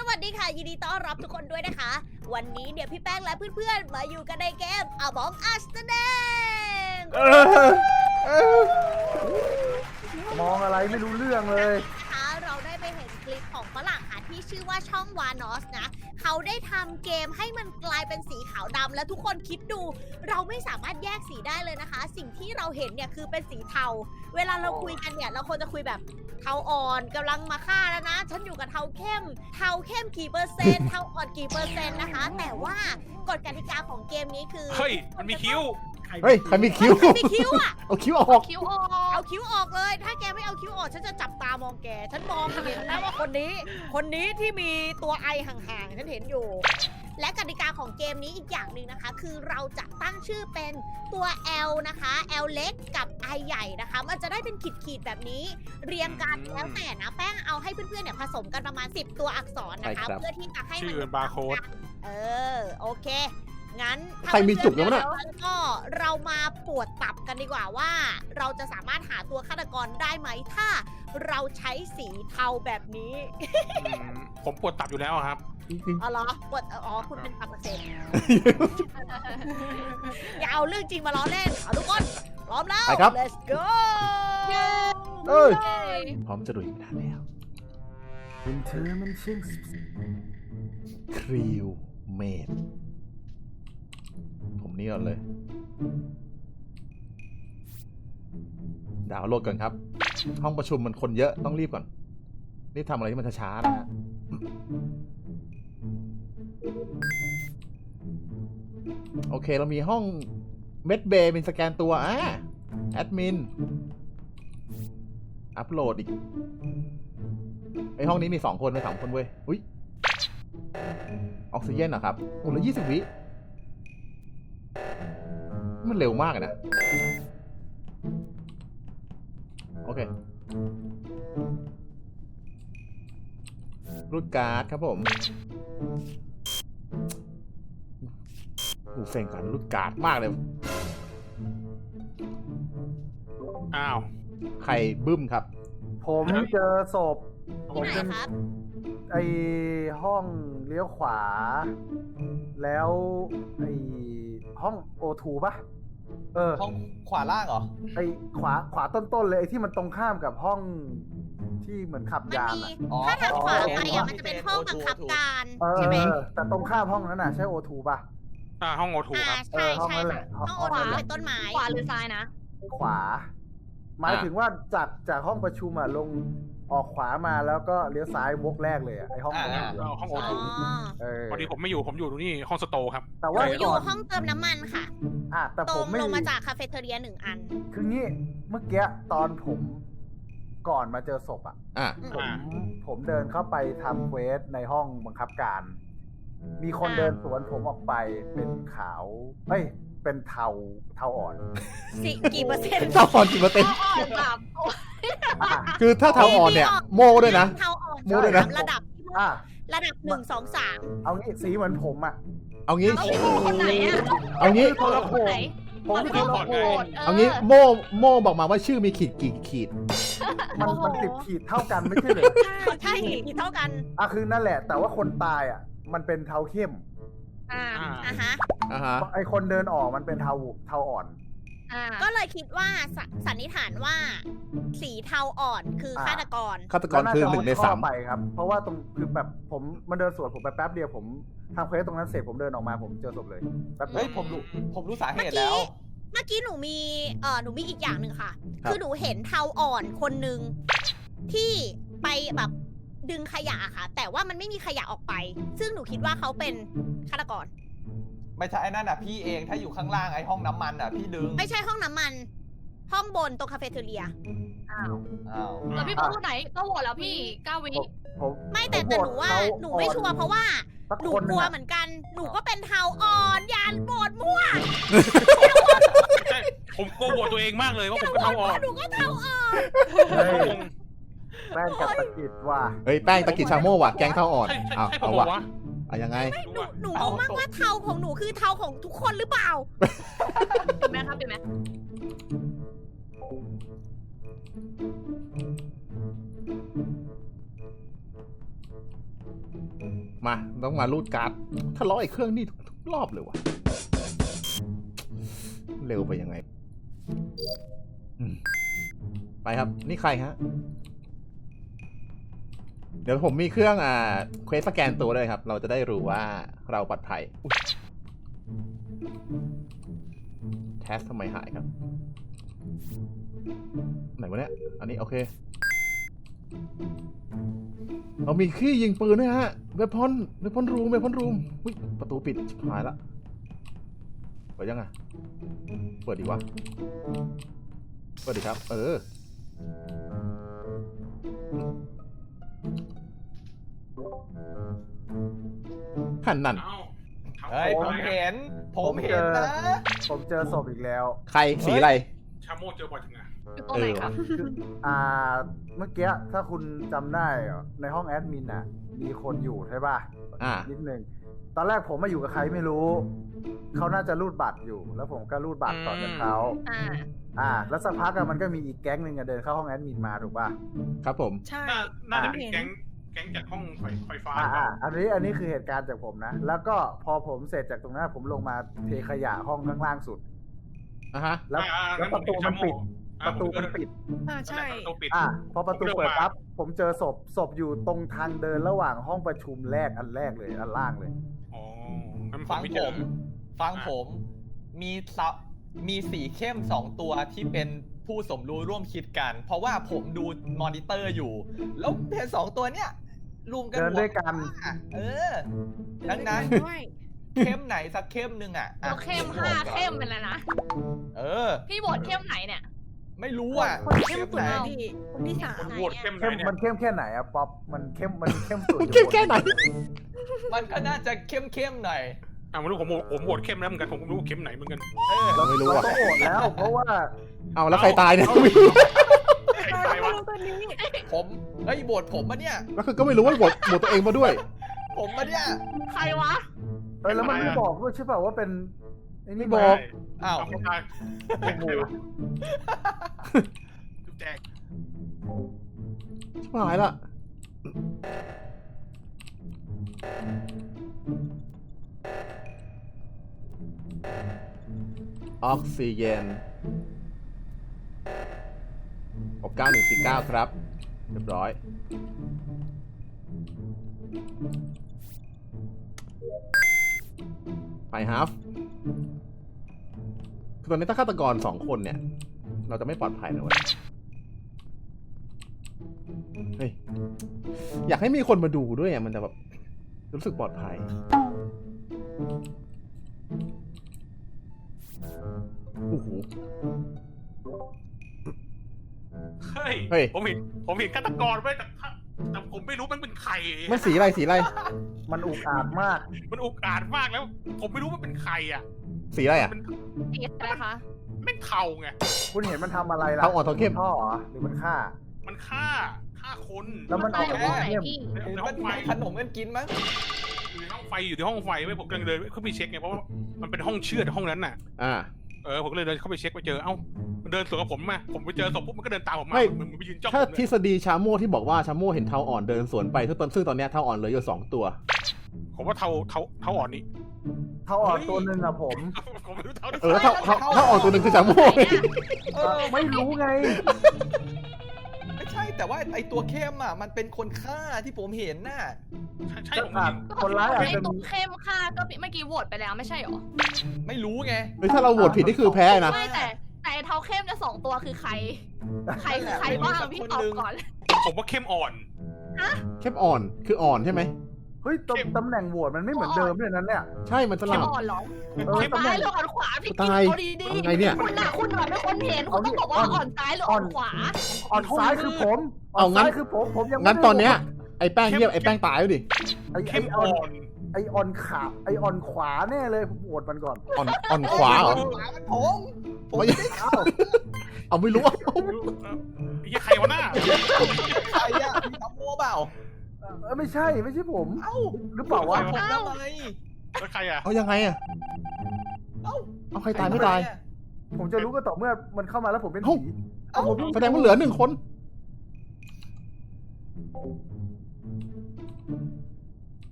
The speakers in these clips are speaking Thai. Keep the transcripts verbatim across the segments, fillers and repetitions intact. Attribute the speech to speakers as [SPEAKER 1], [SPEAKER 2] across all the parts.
[SPEAKER 1] วัสดีค่ะยินดีต้อนรับทุกคนด้วยนะคะวันนี้เดี๋ยวพี่แป้งและเพื่อนๆมาอยู่กันในเกม Among Us นั่นเอง
[SPEAKER 2] มองอะไรไม่รู้เรื่องเลย
[SPEAKER 1] นะคะเราได้ไปเห็นคลิปของฝรั่งค่ะที่ชื่อว่าช่องวานอสนะเขาได้ทำเกมให้มันกลายเป็นสีขาวดำและทุกคนคิดดูเราไม่สามารถแยกสีได้เลยนะคะสิ่งที่เราเห็นเนี่ยคือเป็นสีเทาเวลาเราคุยกันเนี่ยเราควรจะคุยแบบเทาอ่อนกำลังมาฆ่าแล้วนะฉันอยู่กับเทาเข้มเทาเข้มกี่เปอร์เซ็นต์เทาอ่อนกี่เปอร์เซ็นต์นะคะแต่ว่ากฎกติกาของเกมนี้คือ
[SPEAKER 3] เฮ้ยมันมีคิ้ว
[SPEAKER 4] เฮ้ยใครมีคิ้ว
[SPEAKER 1] ใครมีคิ้วอ่ะ
[SPEAKER 4] เอาคิ้วออก
[SPEAKER 1] คิ้วออกเอาคิ้วออกเลยถ้าแกไม่เอาคิ้วออกฉันจะจับตามองแกฉันมองเห็นนะว่าคนนี้คนนี้ที่มีตัวไอห่างๆฉันเห็นอยู่และกติกาของเกมนี้อีกอย่างหนึ่งนะคะคือเราจะตั้งชื่อเป็นตัว L นะคะ L เล็กกับ I ใหญ่นะคะมันจะได้เป็นขีดๆแบบนี้เรียงกันแล้วแต่นะแป้งเอาให้เพื่อนๆเนี่ยผสมกันประมาณสิบตัวอักษรนะคะเพื่อที่จะให้มัน
[SPEAKER 3] ชื่อบาร์โค้ด
[SPEAKER 1] เออโอเคงั้น
[SPEAKER 4] ใครมีจุกแล้วเนี่ย
[SPEAKER 1] ก็เรามาปวดตับกันดีกว่าว่า เราจะสามารถหาตัวฆาตกรได้ไหมถ้าเราใช้สีเทาแบบนี้
[SPEAKER 3] ผมปวดตับอยู่แล้วครับ
[SPEAKER 1] อ๋อเหรอปวดอ๋อคุณเป็นตับอักเสบอย่าเอาเรื่องจริงมาล้อเล่นเอาทุกคนพร้อมแล้ว
[SPEAKER 4] ไปครับ
[SPEAKER 1] let's go
[SPEAKER 4] เอ้ยพร้อมจะดุยไม่ทันแล้ว
[SPEAKER 2] เป็นเธอมันช่าง
[SPEAKER 4] ครีวเมดผมนี่ก่อนเลยดาวน์โหลดก่อนครับห้องประชุมมันคนเยอะต้องรีบก่อนรีบทำอะไรที่มันช้าๆนะฮะโอเคเรามีห้องเมดเบย์เป็นสแกนตัวอ่ะแอดมินอัปโหลดอีกไอห้องนี้มีสองคนเลยสามคนเว้ยอุ้ยออกซิเจนเหรอครับโอ้แล้วยี่สิบวิมันเร็วมากนะโอเครูดการ์ดครับผมหูเซ็งก่อนรูดการ์ดมากเลย
[SPEAKER 3] อ้าว
[SPEAKER 4] ใครบึ้มครับ
[SPEAKER 2] ผมเจอศพผม
[SPEAKER 1] ที่ไหน
[SPEAKER 2] เป็น
[SPEAKER 1] ครับ
[SPEAKER 2] ไอห้องเลี้ยวขวา แล้วไอห้องโอทูป่ะเออ
[SPEAKER 5] ห้องขวาล่างเหรอ
[SPEAKER 2] ไอขวาขวาต้นๆเลยไอที่มันตรงข้ามกับห้องที่เหมือนขับ
[SPEAKER 1] มัน
[SPEAKER 2] ยาน
[SPEAKER 1] มี
[SPEAKER 2] อ่ะ
[SPEAKER 5] อ๋อ
[SPEAKER 1] ถ้าทางขวาไป
[SPEAKER 5] อ๋
[SPEAKER 1] อ่ะ
[SPEAKER 5] อ
[SPEAKER 1] มันจะเป็นห้องบังคับการ
[SPEAKER 2] เออ
[SPEAKER 1] ใช่ไหม
[SPEAKER 2] แต่ตรงข้ามห้องนั้นน่ะใช่โอทูป่ะ
[SPEAKER 3] อ่าห้องโอทู
[SPEAKER 1] อ่า
[SPEAKER 3] ครับ
[SPEAKER 1] ใช่
[SPEAKER 2] เออห้อง
[SPEAKER 1] ใช่
[SPEAKER 2] นั่นแห
[SPEAKER 1] ค่ะ
[SPEAKER 2] ละ
[SPEAKER 1] ห้องโอ
[SPEAKER 2] ห้
[SPEAKER 1] ทู
[SPEAKER 2] องนั้นแหละ
[SPEAKER 1] เป็นต้นไม้
[SPEAKER 6] ขวาหรือซ้ายนะ
[SPEAKER 2] ขวา หมายถึงว่าจากจากห้องประชุมอ่ะลงออกขวามาแล้วก็เลี้ยวซ้ายวกแรกเลยอ่ะไอห้องนั้น
[SPEAKER 5] อ่า
[SPEAKER 2] อะ
[SPEAKER 3] ห้องโอ
[SPEAKER 1] อ๋อ
[SPEAKER 3] ทู
[SPEAKER 2] เออ
[SPEAKER 3] พอดีผมไม่อยู่ผมอยู่ตรงนี้ห้องสโตร์ครับ
[SPEAKER 2] แต่
[SPEAKER 1] ห
[SPEAKER 2] ว่า
[SPEAKER 1] นูอยู่
[SPEAKER 2] ก่น
[SPEAKER 1] ห้องเติมน้ำมันค่ะ
[SPEAKER 2] อ่ะแต่
[SPEAKER 1] ตร
[SPEAKER 2] ผม
[SPEAKER 1] ง
[SPEAKER 2] ไม่
[SPEAKER 1] ลงมาจากคาเฟ่เทเรียหนึ่งอัน
[SPEAKER 2] คืองี้เมื่อกี้ตอนผมก่อนมาเจอศพอ่ะ
[SPEAKER 4] อ่ะ
[SPEAKER 2] ผม
[SPEAKER 3] อ่า
[SPEAKER 2] ผมเดินเข้าไปทำเควสในห้องบังคับการ มีคน
[SPEAKER 1] อ่า
[SPEAKER 2] เดินสวนผมออกไปเป็นขาวเอ้ยเป็นเทาเทาอ่อน
[SPEAKER 1] สิกี่เปอร์เซ็นต์
[SPEAKER 4] เท่าอ่อนกี่เปอร์เซ็นต์
[SPEAKER 6] อ่อนแบบ
[SPEAKER 2] อ่ะ
[SPEAKER 4] คือถ้าเท่าอ่อนเนี่ยโม่ด้วยนะ
[SPEAKER 1] เทาอ่อน
[SPEAKER 4] โม้ด้วยนะ
[SPEAKER 1] ระดับที่
[SPEAKER 2] อ่ะ
[SPEAKER 1] ระดับหนึ่งสองสาม
[SPEAKER 2] เอางี้สีเหมือนผมอ่ะ
[SPEAKER 4] เอางี้
[SPEAKER 6] เอาพี่โมคนไหนอะ
[SPEAKER 4] เอางี้
[SPEAKER 2] คนละโข
[SPEAKER 6] คนไหน
[SPEAKER 2] ผมคือคนละโข
[SPEAKER 4] เอางี้โม่โม่บอกมาว่าชื่อมีขีดกี่ขีด
[SPEAKER 2] มันมันติดขีดเท่ากันไม่ใช่เหรอ
[SPEAKER 1] ใช่กี่เท่ากัน
[SPEAKER 2] อ่ะคือนั่นแหละ แต่ว่าคนตายอ่ะ มันเป็นเทาเข้ม
[SPEAKER 6] อ่า
[SPEAKER 3] อ่า
[SPEAKER 1] อ่ะฮะ
[SPEAKER 4] อ่าฮะ
[SPEAKER 2] ไอคนเดินออกมันเป็นเทาเทาอ่อน
[SPEAKER 6] อ่า
[SPEAKER 1] ก็เลยคิดว่าสสันนิษฐานว่า สีเทาอ่อนคือฆาตกร
[SPEAKER 4] ฆาตกรคือหนึ่งในสาม
[SPEAKER 2] ไปครับ เพราะว่าตรงคือแบบผมมันเดินสวนผมไปแป๊บเดียวผมทำเควสตรงนั้นเสร็จผมเดินออกมาผมเจอศพเลยแป๊บเดี
[SPEAKER 5] เฮ้
[SPEAKER 2] ย
[SPEAKER 5] ยว ผมรู้ผมรู้สาเหตุแล้ว
[SPEAKER 1] เมื่อกี้หนูมีเออหนูมีอีกอย่างหนึ่งค่ะ
[SPEAKER 4] ครับ
[SPEAKER 1] คือหนูเห็นเทาอ่อนคนหนึ่งที่ไปแบบดึงขยะค่ะ แต่ว่ามันไม่มีขยะออกไป ซึ่งหนูคิดว่าเขาเป็นฆาตกร
[SPEAKER 5] ไม่ใช่ไอ้นั่นอ่ะพี่เองถ้าอยู่ข้างล่างไอ้ห้องน้ำมันอ่ะพี่ดึง
[SPEAKER 1] ไม่ใช่ห้องน้ำมัน ห้องบนตรงคาเฟ่เทเรีย
[SPEAKER 6] อ้าว
[SPEAKER 5] อ้าว
[SPEAKER 6] แล้วพี่โมคนไหนก็โหวตแล้วพี่เก้าวิ
[SPEAKER 2] ผม
[SPEAKER 1] ไม่แต่แต่หนูว่าหนูไม่ชัวร์เพราะว่า
[SPEAKER 2] สัก
[SPEAKER 1] หนู
[SPEAKER 2] คน
[SPEAKER 1] ก
[SPEAKER 2] นึ
[SPEAKER 1] ลั
[SPEAKER 2] ง
[SPEAKER 1] ว
[SPEAKER 2] อะ
[SPEAKER 1] เหมือนกัน หนูก็เป็นเทาอ่อนยานโบดมั่ว
[SPEAKER 3] ใช่ผมกลัวโหวตตัวเองมากเลยว่าผมก็เท่าอ่อน
[SPEAKER 1] หนูก็เทาอ่อน
[SPEAKER 2] เฮ้ยแป้งกับตะกิดว่ะ
[SPEAKER 4] เฮ้ยแป้งตะกิดชาโม่ว่ะแกงเท่าอ่อน
[SPEAKER 3] ใช่ใช่
[SPEAKER 4] อ้าว
[SPEAKER 3] ใช่ผ
[SPEAKER 4] เอา
[SPEAKER 3] มบ
[SPEAKER 4] ว่ะ
[SPEAKER 3] อกว่า
[SPEAKER 4] เอายังไง
[SPEAKER 1] หนูหนูงงมากว่าเทาของหนูคือเทาของทุกคนหรือเปล่า
[SPEAKER 6] เห็นไหมครับเห็นไหม
[SPEAKER 2] ผ
[SPEAKER 4] มาต้องมารูดการ์ดถ้าล้อไอ้เครื่องนี่ทุกรอบเลยวะเร็วไปยังไงอืมไปครับนี่ใครฮะเดี๋ยวผมมีเครื่องอ่าเควสสแกนตัวด้วยครับ เราจะได้รู้ว่าเราปลอดภัยแทสทำไมหายครับไหนวะเนี่ยอันนี้โอเคเรามีขี้ยิงปืนด้วยฮะเวพอนเวพอนรูมเวพอนรูมอุ้ยประตูปิดชิบหายละเปิดยังไงเปิดดีวะเปิดดีครับเออขันนั่น
[SPEAKER 3] เอ้า
[SPEAKER 5] เฮ้ยผมเห็น ผมเห็นนะ
[SPEAKER 2] ผมเจอศพอีกแล้ว
[SPEAKER 4] ใครสีอะไร
[SPEAKER 3] ชาโมเจอบ่อยจังไง
[SPEAKER 6] อยู่ตรงไหนครับ
[SPEAKER 2] อ่า เมื่อกี้ถ้าคุณจำได้อะในห้องแอดมินน่ะ มีคนอยู่ใช่ป่ะ
[SPEAKER 4] อ่า
[SPEAKER 2] นิดนึง ตอนแรกผมมาอยู่กับใครไม่รู้ เขาน่าจะรูดบัตรอยู่ แล้วผมก็รูดบัตรต่อจากเขา
[SPEAKER 6] อ่า
[SPEAKER 2] อ่า แล้วสักพักอะมันก็มีอีกแก๊งหนึ่งอะเดินเข้าห้องแอดมินมาถูกป่ะ
[SPEAKER 4] ครับผม
[SPEAKER 1] ใช่
[SPEAKER 3] น่าน่าจะเป็นแก๊งแก๊งจากห้องไฟไฟฟ้าห
[SPEAKER 2] อ่า
[SPEAKER 3] รือเป
[SPEAKER 2] อ่า
[SPEAKER 3] ล่า
[SPEAKER 2] อันนี้อันนี้คือเหตุการณ์จากผมนะ แล้วก็พอผมเสร็จจากตรงนั้นผมลงมาเทขยะห้องข้างล่างสุด
[SPEAKER 4] อ่ะฮะ
[SPEAKER 2] แล้ว
[SPEAKER 3] อ่า
[SPEAKER 2] แล้วประตูมันปิด
[SPEAKER 3] อ่า
[SPEAKER 2] ประตูมันปิด
[SPEAKER 1] อ่าใช่
[SPEAKER 3] ประตูปิด
[SPEAKER 2] อ่ะพอประตู
[SPEAKER 3] ผมเดิน
[SPEAKER 2] เปิด
[SPEAKER 3] มา
[SPEAKER 2] ปั๊บผมเจอศพศพอยู่ตรงทางเดินระหว่างห้องประชุมแรกอันแรกเลยอันล่างเลย
[SPEAKER 3] อ๋องั้น
[SPEAKER 5] ฟัง
[SPEAKER 3] ไเจ
[SPEAKER 5] ผ
[SPEAKER 3] อ
[SPEAKER 5] ม ฟังผม มีซับมีสีเข้มสองตัวที่เป็นผู้สมรู้ร่วมคิดกัน เพราะว่าผมดูมอนิเตอร์อยู่ แล้วเพนสองตัวเนี้ยรวมกัน
[SPEAKER 2] เดินด้วยกัน
[SPEAKER 5] อ่ะเออ ดังนั้น
[SPEAKER 1] ด้วย
[SPEAKER 5] เข้มไหนสักเข้มหนึ่งอ่ะอ่ะ
[SPEAKER 6] เราเข้มห้าเข้มเป็นแล้วนะ
[SPEAKER 5] เออ
[SPEAKER 6] พี่โหวตเข้มไหนเนี่ย
[SPEAKER 5] ไม่รู้อ่ะ
[SPEAKER 1] คนเข้มสุด
[SPEAKER 5] ไหน
[SPEAKER 1] นะพี่คนที่สาม
[SPEAKER 3] คนโหวตเข้มไหน
[SPEAKER 2] เข้ม
[SPEAKER 3] เนี่ย
[SPEAKER 2] มันเข้มแค่ไหนอะป๊อปมันเข้มมันเข้มสุด
[SPEAKER 4] เข้มแค่ไหน
[SPEAKER 5] มันก็น่าจะเข้มเข้มๆหน่อย
[SPEAKER 3] อ่าไม่รู้ผมโหวตผมโหวตเข้มแล้วเหมือนกันผมก็ไม่รู้เข้มไหนเหมือนกัน
[SPEAKER 5] เออ
[SPEAKER 2] เรา
[SPEAKER 4] ไม่รู้
[SPEAKER 2] เรา
[SPEAKER 4] อะ
[SPEAKER 2] ต้องโหวตแล้ว เพราะว่า
[SPEAKER 4] เอาแล้วใครตายเนี่ย
[SPEAKER 3] ใครตายวะ
[SPEAKER 1] ตัวนี้
[SPEAKER 5] ผมเฮ้ยโหวตผมมาเนี่ย
[SPEAKER 4] แล้วคือก็ไม่รู้ว่าบทบทตัวเองมาด้วย
[SPEAKER 5] ผมมาเนี่ย
[SPEAKER 6] ใครวะ
[SPEAKER 2] เออแล้วมันไม่บอกด้วยใช่ป่ะว่าเป็นไอ้นี่
[SPEAKER 4] ไม่บอก
[SPEAKER 5] อ้าว
[SPEAKER 3] เคนตายใครวะจุ๊บแจง
[SPEAKER 4] ชิบหายละออกซิเจนหกเก้าหนึ่งสี่เก้าครับ เรียบร้อย ไปฮาฟคือตอนนี้ถ้าฆาตกรสองคนเนี่ย เราจะไม่ปลอดภัยนะเว้ย เฮ้ย อยากให้มีคนมาดูด้วยอ่ะ มันจะแบบรู้สึกปลอดภัย โอ้โห
[SPEAKER 3] เฮ้ย
[SPEAKER 4] เฮ้ย
[SPEAKER 3] ผมเห็นผมเห็นฆาตกรไว้ยแต่ถ้าแต่ผมไม่รู้มันเป็นใคร
[SPEAKER 4] มันสีอะไรสีอะไร
[SPEAKER 2] มันอุกอาจมาก
[SPEAKER 3] มันอุกอาจมากแล้ว ผมไม่รู้ว่าเป็นใครอ่ะ
[SPEAKER 4] สีอะไรอ่ะ
[SPEAKER 3] มัน
[SPEAKER 6] สีอะไรคะ
[SPEAKER 3] ไม่เทาไง
[SPEAKER 2] คุณเห็นมันทำอะไรล่ะ
[SPEAKER 4] เทาอ่อนเทาเข้ม
[SPEAKER 2] ท่อเหรอหรือมันฆ่า
[SPEAKER 3] มันฆ่าฆ่าคน
[SPEAKER 2] แล้วมัน
[SPEAKER 6] ตาย
[SPEAKER 2] ออก
[SPEAKER 6] ตรง
[SPEAKER 2] มา
[SPEAKER 6] ไหน
[SPEAKER 2] เข้ม
[SPEAKER 6] พี่
[SPEAKER 3] ใน
[SPEAKER 5] หรือ
[SPEAKER 3] ใน
[SPEAKER 5] มั
[SPEAKER 3] ห้อน งไฟ
[SPEAKER 5] มีขนมกันกินมั้ง
[SPEAKER 3] อยู่ในห้องไฟอยู่ในห้องไฟไม่ผมกำลังเดินเข้าไปเช็คไงเพราะว่ามันเป็นห้องเชื่อดห้องนั้นน่ะ
[SPEAKER 4] อ่า
[SPEAKER 3] เออผมก็เลยเดินเข้าไปเช็คไปเจอเอ้ามันเดินสวนกับผมมาผมไปเจอศพปุ๊บมันก็เดินตามผมมา
[SPEAKER 4] ไม่
[SPEAKER 3] มันมันไปยืนจ้องผ
[SPEAKER 4] ถ้าม ท
[SPEAKER 3] เล
[SPEAKER 4] ฤ
[SPEAKER 3] ย
[SPEAKER 4] ษฎีชาโม่ที่บอกว่าชาโม่เห็นเทาอ่อนเดินสวนไปซึ่งตอนซึ่งตอนเนี้ยเทาอ่อนเหลืออยู่สองตัว
[SPEAKER 3] ผมว่าเทาเทาเทาอ่อนนี่
[SPEAKER 2] เท่าอ่อนตัวหนึ่งอะผม
[SPEAKER 3] ผมไม่รู้เทา
[SPEAKER 4] เออเทาเทาเทาอ่อนตัวหนึ่งคือชาโม่
[SPEAKER 5] เออ
[SPEAKER 2] ไม่รู้ไง
[SPEAKER 5] ไม่ใช่แต่ว่าไอตัวเข้มอ่ะมันเป็นคนฆ่าที่ผมเห็นน่ะ
[SPEAKER 3] ใช่ใช่
[SPEAKER 2] ก็
[SPEAKER 3] ผม
[SPEAKER 2] อา
[SPEAKER 3] เห็
[SPEAKER 2] จ
[SPEAKER 3] น
[SPEAKER 2] คนร้ายอาจ
[SPEAKER 6] ไอ
[SPEAKER 2] จะ
[SPEAKER 6] ตัว
[SPEAKER 2] มี
[SPEAKER 6] เข้มค่ะก็เมื่อกี้โหวตไปแล้วไม่ใช่หรอ
[SPEAKER 5] ไม่รู้ไง
[SPEAKER 4] เฮ้ยถ้าเราโหวตผิดนี่คือแพ้นะ
[SPEAKER 6] ไม่แต่แต่ไอ้เท้าเข้มจะสองตัวคือใคร ใครคือใครบ้างพี่ตอบก่อน
[SPEAKER 3] ผมว่าเข้มอ่อน
[SPEAKER 4] เข้มอ่อนคืออ่อนใช่ไหม
[SPEAKER 2] เฮ้ยตำตำแหน่งโหวตมันไม่เหมือนเดิมเลยนั้นเนี่ย
[SPEAKER 4] ใช่มันส
[SPEAKER 6] เข้
[SPEAKER 4] ลั
[SPEAKER 6] ม
[SPEAKER 4] บ
[SPEAKER 6] อ่อนเหรอ
[SPEAKER 2] เออ
[SPEAKER 3] เข้ม
[SPEAKER 2] ตำแห
[SPEAKER 6] ซ้า
[SPEAKER 2] น่
[SPEAKER 6] ย
[SPEAKER 2] ง
[SPEAKER 6] หรืออ่อนขวาพี่
[SPEAKER 4] ตาย
[SPEAKER 6] เอาดี
[SPEAKER 4] ทำไงเนี่ย
[SPEAKER 6] ๆคุณน่ะคุณน่ะเป็นคนเห็นคุณต้องบอกว่าอ่อนซ้ายหรืออ่อนขวา
[SPEAKER 2] อ่อนซ้ายคือผมอ่
[SPEAKER 4] เอา
[SPEAKER 2] อน
[SPEAKER 4] งั้น
[SPEAKER 2] ซ้ายคือผมผมยังไม่
[SPEAKER 4] งั้น
[SPEAKER 2] ได้
[SPEAKER 4] ตอนเนี้ยไอ้แป้งเยี่ยมไอ้แป้งตายแล้วดิ
[SPEAKER 2] ไอ้ไอ้
[SPEAKER 3] เข้ม
[SPEAKER 2] อ่อ
[SPEAKER 3] อ่
[SPEAKER 2] น
[SPEAKER 3] อน
[SPEAKER 2] ไอ้อ่อนขาไอ้อ่อนขวาแน่เลยผมโหวตมันก่อน
[SPEAKER 4] อ่อนอ่อนขวาเหรอ
[SPEAKER 5] ขวามันผมผม
[SPEAKER 4] ไม่
[SPEAKER 5] ไม่ได้
[SPEAKER 2] อ้าว
[SPEAKER 4] เอาไม่รู้อะ
[SPEAKER 3] ไอ้ยี่ใครวะหน้า
[SPEAKER 5] ใครอ่ะมีตะโม่เปล่า
[SPEAKER 2] เออไม่ใช่ไม่ใช่ผม
[SPEAKER 5] เอ้า
[SPEAKER 2] หรือเปล่าวะ
[SPEAKER 5] ผมทำไม
[SPEAKER 3] แล้วใครอ่ะ
[SPEAKER 4] เอายังไงอะ
[SPEAKER 5] เอ้า
[SPEAKER 4] เอาใครตายไม่ตาย
[SPEAKER 2] ผมจะรู้ก็ต่อเมื่อมันเข้ามาแล้วผมเป็น
[SPEAKER 4] เอ้า
[SPEAKER 2] ผี
[SPEAKER 5] เอ้า
[SPEAKER 2] ผม
[SPEAKER 4] แสดงว่าเหลือหนึ่งคน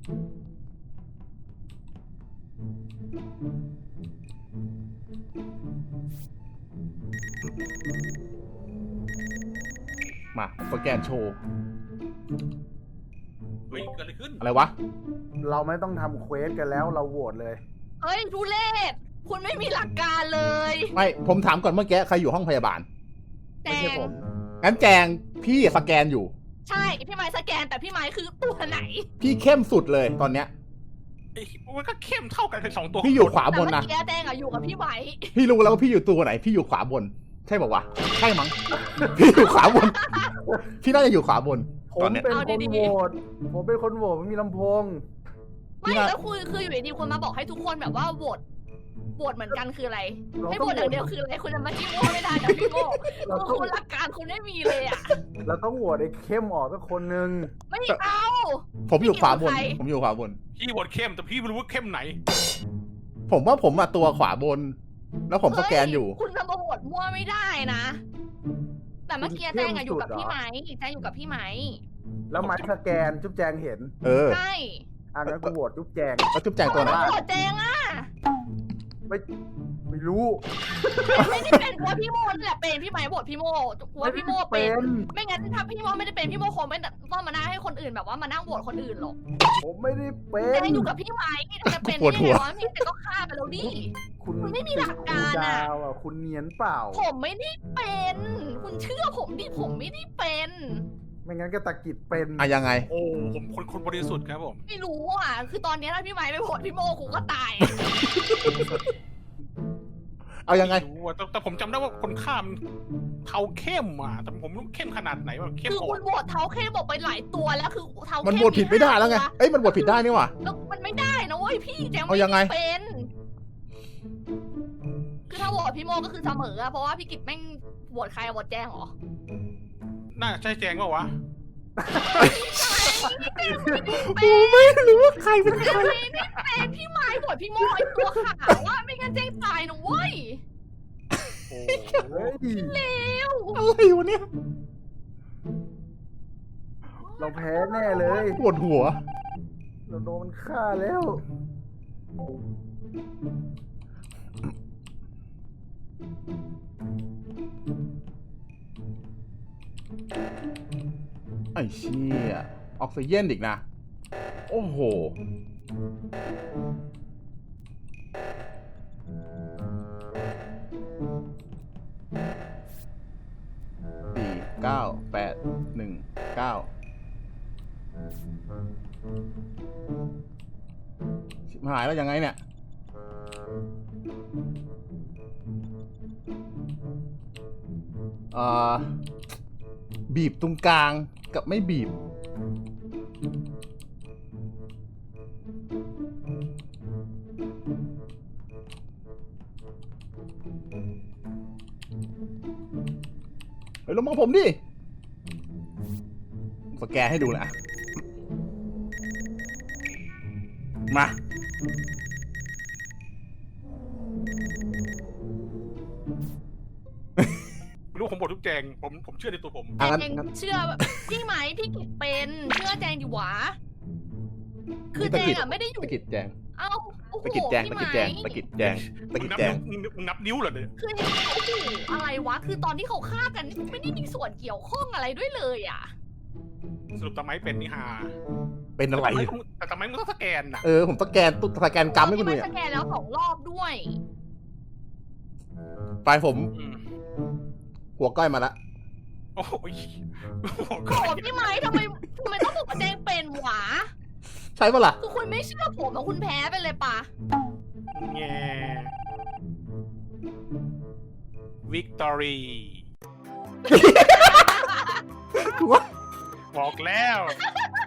[SPEAKER 4] มาผมสแกนโชว์
[SPEAKER 3] เฮ้ยเกิดอะไรขึ้น
[SPEAKER 4] อะไรวะ
[SPEAKER 2] เราไม่ต้องทำเควสกันแล้วเราโหวตเลย
[SPEAKER 6] เฮ้ยทุเรศคุณไม่มีหลักการเลย
[SPEAKER 4] ไม่ผมถามก่อนเมื่อกี้ใครอยู่ห้องพยาบาล
[SPEAKER 6] แจ
[SPEAKER 2] ไม่ใช่
[SPEAKER 6] ง
[SPEAKER 2] ผม
[SPEAKER 4] งั้นแจงพี่สแกนอยู่
[SPEAKER 6] ใช่พี่ไม้สแกนแต่พี่ไม้คือตัวไหน
[SPEAKER 4] พี่เข้มสุดเลยตอนเนี้ย
[SPEAKER 3] ไอ้มันก็เข้มเท่ากันเลยสองตัว
[SPEAKER 4] พี่อยู่ขวา
[SPEAKER 6] แต่
[SPEAKER 4] บน
[SPEAKER 6] เมื่อ
[SPEAKER 4] นะ
[SPEAKER 6] กี้แจงอะอยู่กับพี่ไม้
[SPEAKER 4] พี่รู้แล้วว่าพี่อยู่ตัวไหน พี่อยู่ขวาบน ใช่บอกว่าวะใช่มั้ง พี่อยู่ขวาบน พี่น่าจะอยู่ขวาบน
[SPEAKER 2] ผม
[SPEAKER 4] ตอนเนี้ย
[SPEAKER 2] เป็นคนโหวตผมเป็นคนโหวตไม่มีลำโพง
[SPEAKER 4] พี่
[SPEAKER 6] ไม่
[SPEAKER 4] น่า
[SPEAKER 6] แล้วคือคืออยู่ดีๆคุณมาบอกให้ทุกคนแบบว่าโหวตโหวตเหมือนกันคืออะไร
[SPEAKER 2] เรา
[SPEAKER 6] ให้
[SPEAKER 2] ต้
[SPEAKER 6] โห
[SPEAKER 2] อง
[SPEAKER 6] วตอย่างเดียวคืออะไรคุณจะมาจิ้มโง่ไม่ได้นะพี่โง่
[SPEAKER 2] เรา
[SPEAKER 6] คือ
[SPEAKER 2] ต้อง
[SPEAKER 6] คุณหลักการคุณไม่มีเลยอ่ะ
[SPEAKER 2] เราต้องโหวตไอ้เข้มออกสักคนนึง
[SPEAKER 6] ไม่เอา
[SPEAKER 4] ผมอยู่ขวาบน
[SPEAKER 6] ใคร
[SPEAKER 4] ผมอยู่ขวาบน
[SPEAKER 3] พี่บทเข้มแต่พี่ไม่รู้ว่าเข้มไหน
[SPEAKER 4] ผมว่าผมมาตัวขวาบน แล้วผมสแกนอยู่
[SPEAKER 6] เฮ้คุณจะมาโหวตมั่วไม่ได้นะ แต่เมื่อกี้แจงอะอยู่กับพี่ไม้แจงอยู่กับพี่ไม้
[SPEAKER 2] แล้วไม้สแกนจุ๊บแจงเห็น
[SPEAKER 4] เออ
[SPEAKER 6] ใช่
[SPEAKER 2] อ่ะงั้นกูโหวตจุ๊บแจง
[SPEAKER 4] แล้วจุ๊บแจงตัวไหน
[SPEAKER 6] โหวตแจงอะ
[SPEAKER 2] ไม่ไม่รู้
[SPEAKER 6] ไม่ได้เป็นเพราะพี่โมนี่แหละเป็นพี่ไม้โหวตพี่โมกลัวพี่โมเป็น ไม่งั้นถ้าพี่โมไม่ได้เป็นพี่โมคงไม่ต้องมานั่งให้คนอื่นแบบว่ามานั่งโหวตคนอื่นหรอก
[SPEAKER 2] ผมไม่ได้เป็
[SPEAKER 6] แจ
[SPEAKER 2] น
[SPEAKER 6] งอยู่กับพี่ไม้จะเป็น
[SPEAKER 4] ปวด
[SPEAKER 6] ได้
[SPEAKER 4] หั
[SPEAKER 6] ไง
[SPEAKER 4] ว
[SPEAKER 6] วะพี่แต่ก็ฆ่าไปแล้วดิ
[SPEAKER 2] คุณ
[SPEAKER 6] คุณไม่มีหลักการอะ
[SPEAKER 2] คุณดาวอ่ะคุณเนียนเปล่า
[SPEAKER 6] ผมไม่ได้เป็น คุณเชื่อผมดิผมไม่ได้เป็น
[SPEAKER 2] ไม่งั้นก็ตะกิดเป็น
[SPEAKER 4] อ่ะยังไง
[SPEAKER 3] โอ้ผมคนคนบริสุทธิ์ครับผม
[SPEAKER 6] ไม่รู้อ่ะ คือตอนนี้ถ้าพี่ไม้ไปโหวตพี่โมคงก็ตาย
[SPEAKER 4] เอายังไง
[SPEAKER 3] ม่รู้อะแต่แต่ผมจำได้ว่าคนข้ามเทาเข้มอ่ะแต่ผมไม่รู้เข้มขนาดไหนว่าเข้ม
[SPEAKER 6] คือ
[SPEAKER 3] อ่อ
[SPEAKER 6] คุ
[SPEAKER 3] น
[SPEAKER 6] ณโหวตเท้าเข้บอกไปหลายตัวแล้วคือเท้าเข้
[SPEAKER 4] มันโหวตผิดไม่ได้แล้วไง เอ้ยมันโหวตผิดได้นี่หว่า
[SPEAKER 6] แล้วมันไม่ได้นะเว้ยพี่แจง
[SPEAKER 4] เอา
[SPEAKER 6] ไม่
[SPEAKER 4] ยังไง
[SPEAKER 6] ได้เป็น คือถ้าโหวตพี่โมก็คือเสมออะเพราะว่าพี่กิจแม่งโหวตใครอะโหวตแจงเหรอ
[SPEAKER 3] น่าใช่แจงว่าวะ
[SPEAKER 4] กูไม่รู้ว่าใครเป็นใคร
[SPEAKER 6] ไม่ได้เป็นพี่ไม้โหวตพี่โมไอตัวขาวว่าไม่งั้นแจงตายนะเว้ย
[SPEAKER 3] โอ้
[SPEAKER 2] เฮ้ย
[SPEAKER 6] เร็ว
[SPEAKER 4] อะไรวะเนี่ย
[SPEAKER 2] เราแพ้แน่เลย
[SPEAKER 4] ปวดหัว
[SPEAKER 2] เราโดนมันฆ่าแล้ว
[SPEAKER 4] ไอ้เชี่ยออกซิเจนอีกนะ โอ้โห สี่เก้าแปดหนึ่งเก้าชิบหายแล้วยังไงเนี่ย เอ่อ บีบตรงกลางกับไม่บีบ เฮ้ยลองมองผมดิ สแกนให้ดูนะ มา
[SPEAKER 3] ไม่รู้ผมบททุกแจงผมผมเชื่อในตัวผม
[SPEAKER 4] อ่ะงั้น
[SPEAKER 6] แจง
[SPEAKER 4] งั้น
[SPEAKER 6] เชื่อพี่ไหมพี่กิจเป็นเชื่อแจงดิวะ คือ
[SPEAKER 4] ตะ
[SPEAKER 6] แจ
[SPEAKER 4] กิ
[SPEAKER 6] ง
[SPEAKER 4] ด
[SPEAKER 6] อะไม่ได้อยู่
[SPEAKER 4] ตะกิดแจง
[SPEAKER 6] เอ้าโอ้โห
[SPEAKER 4] ตะกิดแจง
[SPEAKER 6] พี่
[SPEAKER 4] ตะ
[SPEAKER 6] ไหม
[SPEAKER 4] กิดแจงตะกิดแจงตะ
[SPEAKER 3] มึ
[SPEAKER 4] กิ
[SPEAKER 3] ง
[SPEAKER 4] ด
[SPEAKER 3] นับ
[SPEAKER 4] แจง
[SPEAKER 3] นิ้วมึงนับนิ้วเหรอเนี่ย
[SPEAKER 6] คือโอ้โหอะไรวะ คือตอนที่เขาฆ่ากันนี่ไม่ได้มีส่วนเกี่ยวข้องอะไรด้วยเลยอ่ะ
[SPEAKER 3] สรุปตะไม้เป็นนี่ฮา
[SPEAKER 4] เป็นอะไร
[SPEAKER 3] แต่ตะไม้ต้องแต่ตะไม้มันต้องสแกนน่ะ
[SPEAKER 4] เออ ผมสแกนตุ๊สแกนกรรมให้คุณดู
[SPEAKER 6] พี่
[SPEAKER 4] เนี่
[SPEAKER 6] ไม้
[SPEAKER 4] ย
[SPEAKER 6] สแกนแล้วสองรอบด้วย
[SPEAKER 4] ไปผม
[SPEAKER 3] อืม
[SPEAKER 4] หัวก้อยมาละ
[SPEAKER 3] โอ้ยโอ้โห
[SPEAKER 6] โกรธพี่ไม้ทำไมทำไมต้องบอกว่าแจงเป็นหวะ
[SPEAKER 4] ใช่ปะล่ะ
[SPEAKER 6] คือคุณไม่เชื่อผมอะคุณแพ้ไปเลยปะ
[SPEAKER 3] แง่วิกตอรี
[SPEAKER 4] คือว่า
[SPEAKER 3] บอกแล้ว